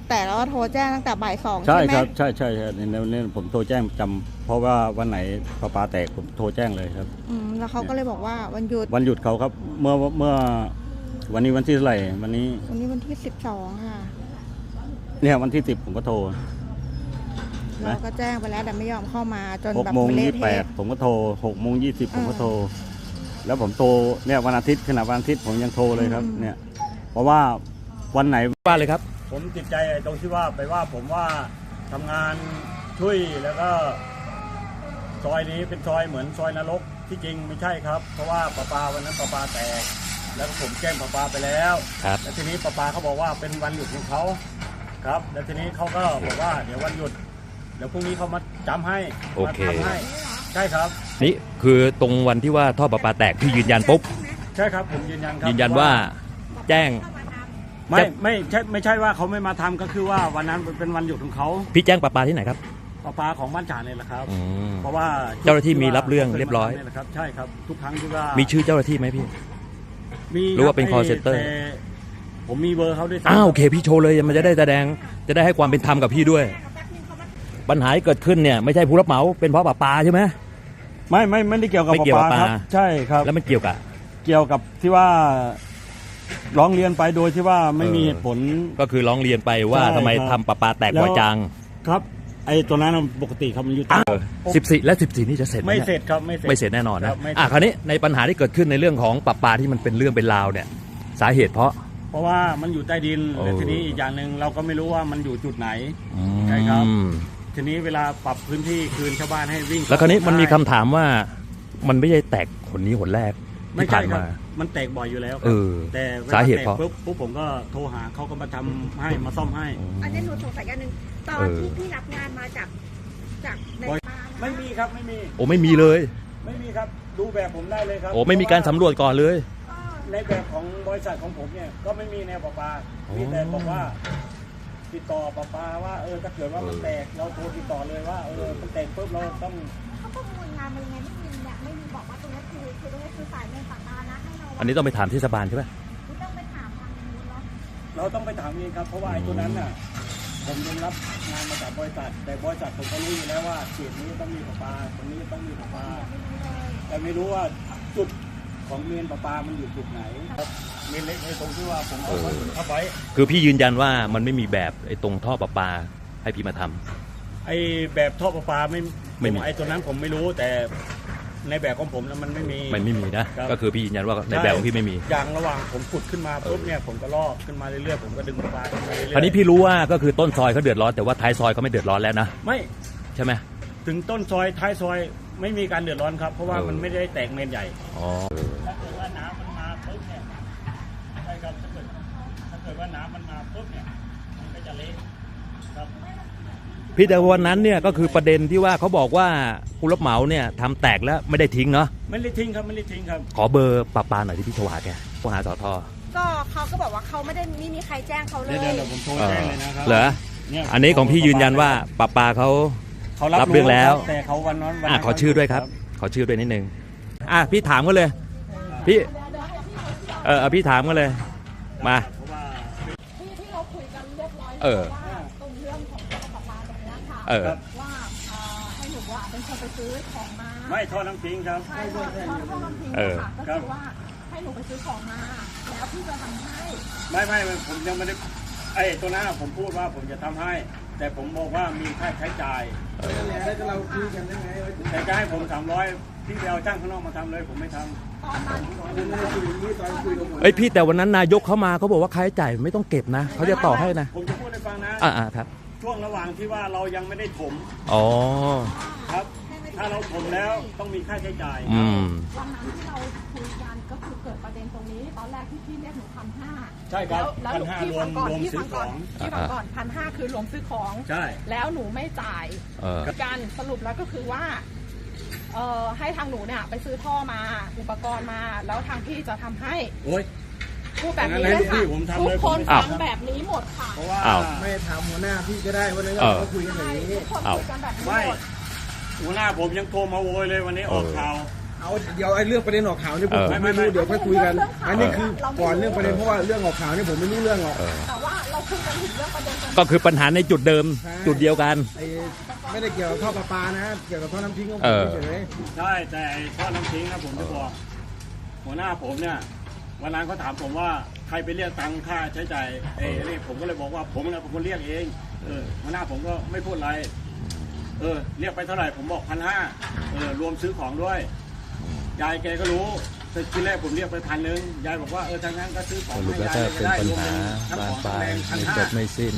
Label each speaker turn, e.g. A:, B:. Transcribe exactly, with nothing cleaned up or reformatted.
A: แต่เราโทรแจ้งตั้งแต่บ่ายสอง
B: ใช่
A: ใช่ไหม
B: ครับใช่ใช่ใช่ในนี้ผมโทรแจ้งจำเพราะว่าวันไหนประปาแตกผมโทรแจ้งเลยครับ
A: อืมแล้วเขาก็เลยบอกว่าวันหยุด
B: วันหยุดเขาครับเมื่อเมื่อวันนี้วันที่เท่าไหร่วันนี้
A: วันนี้วันที่สิบสองค่ะ
B: เนี่ยวันที่สิบผมก็โทร
A: เราก็แจ้งไปแล้วแต่ไม่ยอมเข้ามาจน
B: หก
A: แบบ
B: โมง
A: เละ
B: ยี่สิบแปด
A: เทะ
B: ผมก็โทรหกโมงยี่สิบผมก็
A: อ่า
B: โทร แล้วผมโทรเนี่ยวันอาทิตย์ขณะวันอาทิตย์ผมยังโทรเลยครับ
A: อืม
B: เนี่ยเพราะว่าวันไหน
C: ว่าเลยครับ
B: ผมติดใจตรงที่ว่าไปว่าผมว่าทำงานช่วยแล้วก็ซอยนี้เป็นซอยเหมือนซอยนรกที่จริงไม่ใช่ครับ เพราะว่าประปาวันนั้นประปาแตกแล้วผมแจ้งประปาไปแล้ว
C: ครับ
B: แล้วทีนี้ประปาเขาบอกว่าเป็นวันหยุดของเขาครับ แล้วทีนี้เขาก็บอกว่าเดี๋ยววันหยุดเดี๋ยวพรุ่งนี้เขามาจำให้
C: โอเค
B: มาทำให้ใช่ครับ
C: นี่คือตรงวันที่ว่าท่อประปาแตกพี่ยืนยันปุ๊บ
B: ใช่ครับผมยืนยันครับ
C: ยืนยันว่าแจ้ง
B: ไม่ไม่ใช่ไม่ใช่ว่าเขาไม่มาทำก็คือว่าวันนั้นเป็นวันหยุดของเขา
C: พี่แจ้งประปาที่ไหนครับ
B: ประปาของบ้านจ่าเนี่ยแหละครับ
C: อืม
B: เพราะว่า
C: เจ้าหน้าที่มีรับเรื่องเรียบร้อย
B: นี่แหละครับใช่ครับทุกครั้งที่ว่า
C: มี
B: มี
C: ชื่อเจ้าหน้าที่ไหมพี่
B: มี
C: หรือว่าเป็น
B: คบ
C: call center
B: แต่ผมมีเบอร์เขาด้วยซ้ำ
C: อ้าวโอเคพี่โชว์เลยมันจะได้แสดงจะได้ให้ความเป็นธรรมกับพี่ด้วย ปัญหาที่เกิดขึ้นเนี่ยไม่ใช่ผู้รับเหมาเป็นเพราะประปาใช่ไหม
B: ไม่ไม่ไม่ได้เกี่ยวกับ
C: ไม่เกี่ยวกับ
B: ประปาครับ
C: ปลา
B: ใช่ครับ
C: แล้วมันเกี่ยวกับ
B: เกี่ยวกับที่ว่าร้องเรียนไปโดยที่ว่าไม่มี
C: เออ
B: เหตุผล
C: ก็คือร้องเรียนไปว่า
B: ใช่
C: ทำไม
B: ครับ
C: ทำประปาแตกบ่อยจัง
B: ครับ ไอ้ตัวนั้นปกติครับมันอยู่ใต้
C: สิบสี่และสิบสี่นี่จะเสร็จห
B: ไม่
C: นี่ย
B: เสร็จครับไม่เสร็จ
C: ไม่เสร็จแน่นอน
B: ค
C: นะ
B: รับไม่เสร็จ
C: อ่ะคราวนี้ในปัญหาที่เกิดขึ้นในเรื่องของประปาที่มันเป็นเรื่องเป็นราวเนี่ยสาเหตุเพราะ
B: เพราะว่ามันอยู่ใต้ดิน
C: โอ้
B: และทีนี้อีกอย่างหนึ่งเราก็ไม่รู้ว่ามันอยู่จุดไหน ใช่ครับ
C: อืม
B: ทีนี้เวลาปรับพื้นที่คืนชาวบ้านให้วิ่ง
C: แล้วคราวนี้มันมีคำ
B: ได้
C: ถามว่ามันไม่ใช่แตกหนนี้หนแรก
B: ไม่
C: ที่
B: ใช่
C: ผ่าน
B: ครับ
C: มา
B: มันแตกบ่อยอยู่แล้วค
C: เอ
B: รับ
C: อ
B: แต่วล
C: สาเหตุ
B: แตก
C: เพราะ
B: ปุ๊บปุ๊บผมก็โทรหาเขาก็มาทำให้มาซ่อมให้
D: อันนี้หนูสงสัยอย่างหนึ่งตอน
C: เออ
D: ที่พี่รับงานมาจากจากใน
B: บอย
D: บ้าน
B: ไม่มีครับไม่มี
C: โอ้ไม่มีเลย
B: ไม่มีครับดูแบบผมได้เลยครับ
C: โอ้ไม่มีการสำรวจก่อนเลย
B: ในแบบของบริษัทของผมเนี่ยก็ไม่มีแนวประปา
C: อ๋อ
B: มีแต่บอกว่า ติดต่อประปาว่าเออถ้าเกิดว่ามัน
C: เออ
B: แตกเราโทรติดต่อเลยว่าเออมันแตกปุ๊บเราต้อง
D: เขาประมูลงานมายังไงไม่มีเนี่ยไม่มีบอกว่าตรงนี้คือคือตรงนี้คือสายเงินปากกานะให้เรา
C: อันนี้ต้องไปถามเทศบาลใช่ไหม
D: ต้องไปถามทางนู้นเนาะ
B: เราต้องไปถามเองครับเพราะว่าไอ้ตัวนั้นน่ะผมยังรับงานมาจากบริษัท แต่บริษัทผมก็รู้อยู่แล้วว่าเขตนี้ต้องมีประปาตรงนี้ต้องมีประปา แต่ไม่รู้ว่าจุดของเมนประปามันอยู่จุดไหนครับเมนเล็กในตรงที่ว่าผมเอาไว้ทับไว้
C: คือพี่ยืนยันว่ามันไม่มีแบบไอ้ตรงท่อประปาให้พี่มาทำ
B: ไอ้แบบท่อประปาไม่
C: ไม่มี
B: ไอ้ตัวนั้นผมไม่รู้แต่ในแบบของผมแล้วมันไม่มี
C: มันไม่มีนะ
B: ครับ
C: ก็คือพี่ยืนยันว่าในแบบของพี่ไม่มี
B: อย่างระหว่างผมขุดขึ้นมาปุ๊บเนี่ยผมก็ลอกขึ้นมาเรื่อยๆผมก็ดึงประปาขึ้นมาเรื่อยๆ
C: คราวนี้พี่รู้ว่าก็คือต้นซอยเขาเดือดร้อนแต่ว่าท้ายซอยเขาไม่เดือดร้อนแล้วนะ
B: ไม่
C: ใช่ไหม
B: ถึงต้นซอยท้ายซอยไม่มีการเดือดร้อนครับ เพราะว่า
C: เออ
B: มันไม่ได้แตกเมนใหญ่
C: อ๋อ
B: ถ้าเกิดว่าน้ำมันมาปุ๊บเนี่ยใช่ครับถ้าเกิดถ้าเกิดว่าน้ำมันมาปุ๊บเนี่ยมันก็จะเละครับ
C: พี่แต่วันนั้นเนี่ยก็คือประเด็นที่ว่าเขาบอกว่าผู้รับเหมาเนี่ยทำแตกแล้วไม่ได้ทิ้งเนาะ
B: ไม่ได้ทิ้งครับไม่ได้ทิ้งครับ
C: ขอเบอร์ประปาหน่อยที่พี่โทรหาแกโทรหาสอทอ
D: ก็เขาก็บอกว่าเขาไม่ได้ไม่มีใครแจ้งเขาเล
B: เดี๋ยวย เดี๋ยวผมโทร
C: เอ
B: แจ้
C: อง
B: เลยนะครั
C: เหรอ
B: เนี่ย
C: อันนี้ของพี่ยืนยันว่าประปาเขา
B: เขา
C: รั
B: รั
C: บบ เรื่องแล้ว
B: แต่เขาวันนั้นวัน
C: อ่ะ
B: นั้น
C: ขอชื่อด้วยครับ ขอชื่อด้วยนิดนึงอ่ะพี่ถามกันเลย พี่เออเอาพี่ถามกันเลยมา
B: เพราะว่า
D: ที่ที่เราคุยกันเรียบร้อย
C: เออ
D: ว่าตรงเรื่องของท่อประปาตรงนี้ค่ะ
C: เออ
D: ว่าเอ่อให้หนูว่าเป็นคนไปซื้อของมา
B: ไม่ท่อน้ำทิ้งครับ
D: ใช่ค่ะท่อท่อลำพิง
C: เออ
D: ค่ะก็คือว่าให้หนูไปซื้อของมาแล้วพี่จะทำให้
B: ไม่ไม่ไม่ผมยังไม่ได้ไอ้ตัวนั้นผมพูดว่าผมจะทำให้ แต่ผมบอกว่ามีค่าใช้จ่ายแต่จะให้ผมสามร้อยพี่ไปเอาจ้างข้างนอกมาทำเลยผมไม่ทำ
D: ตอนนั้นที่คุย
C: เอ้ยพี่แต่วันนั้นนายกเขามาเขาบอกว่าค่าใช้จ่ายไม่ต้องเก็บนะเขาจะต่อให้นะ
B: ผมจะพูดให้ฟังนะ
C: อ่าอ่าครับ
B: ช่วงระหว่างที่ว่าเรายังไม่ได้ถม
C: อ๋อ
B: ครับ ถ้าเราถมแล้วต้องมีค่าใช้จ่าย
C: อืม
D: วันนั้นที่เราคุยกันก็คือเกิดประเด็นตรงนี้ ตอนแรกที่พี่เรียกหนูพันห้า
B: ใช่ครับ
D: แล้ว
B: พันห้ารวมรวม
D: พี่
B: ซื้
D: ฟั
B: อง ข
D: ก่อ
B: อน ง
D: พี่ฟังก่อนพันห้าคือรวมซื้อของ
B: ใช่
D: แล้วหนูไม่จ่าย
C: เออ
D: การสรุปแล้วก็คือว่าเอ่อให้ทางหนูเนี่ยไปซื้อท่อมาอุปกรณ์มา แล้วทางพี่จะทำให้
B: โอ้ย
D: พูดแบบนี้
B: งั้น
D: เลย
B: ให้พี่
D: ค่ะ
B: ผมทำ
D: ทุ
B: เล
D: ก
B: ย
D: คน
B: ผมไม่
D: ฟัง
B: ทำ
D: แบบนี้หมดค่ะ
B: เพราะว่า
C: อ้าว
E: ไม่ถามหัวหน้าพี่ก็ได้วันนั้น
C: เออ
E: เราคุยกันอย่างนี้
D: ทุกคน
C: อ้าว
D: คุยกันแบบนี้
B: ไม่
D: หมด
B: หัวหน้าผมยังโทรมาโวยเลยวันนี้ออกข่าว
E: เอาเดี๋ยวไอ้เรื่องประเด็นออกข่าวนี่ผม
C: เออ
E: ไม่รู้เดี๋ยวค่อยคุยกัน
D: เรื่องข่าว
E: อันนี้คือก่อนเรื่องประเด็นเพราะว่าเรื่องออกข่าวนี่ผมไม่รู้เรื่องหรอก
C: เออ
D: แต่ว่าเรเราคุยกันถึงเรื่องประเด็นตรงนี้
C: ก็คือปัญหาในจุดเดิมจุดเดียวกัน
E: ไอ้ไม่ได้เกี่ยวกับท่อประปานะเกี่ยวกับท่อน้ำทิ้งของผ
C: เอ
E: ม
C: อ
E: เฉย
B: ใช่แต่ไอ้ท่อน้ำทิ้งนะผมจะบอกหัวหน้าผมเนี่ยวันนั้นเขาถามผมว่าใครไปเรียกตังค่าใช้จ่ายเอ้เรียกผมก็เลยบอกว่าผมเนี่ยเป็นคนเรียกเองเออหัวหน้าผมก็ไม่พูดอะไรเออเรียกไปเท่าไหร่ผมบอกพันห้าเออรวมซื้อของด้วยยายแกก็รู้แต่ทีแรกผมเรียกไปพันหนึ่งยายบอกว่าเออทางนั้นก็ซื้อของ
C: สรุป
B: ให้
C: แล้ว
B: ยาย
C: ก็
B: เลย
C: เป็น
B: ได้
C: ปัญ
B: รวม
C: หา
B: เป็นทั้ง
C: บา
B: ข
C: น
B: อง
C: ปลา
B: แร
C: ย
B: งพัน
C: ไม่
B: ห้า
C: จบไม่สิ้น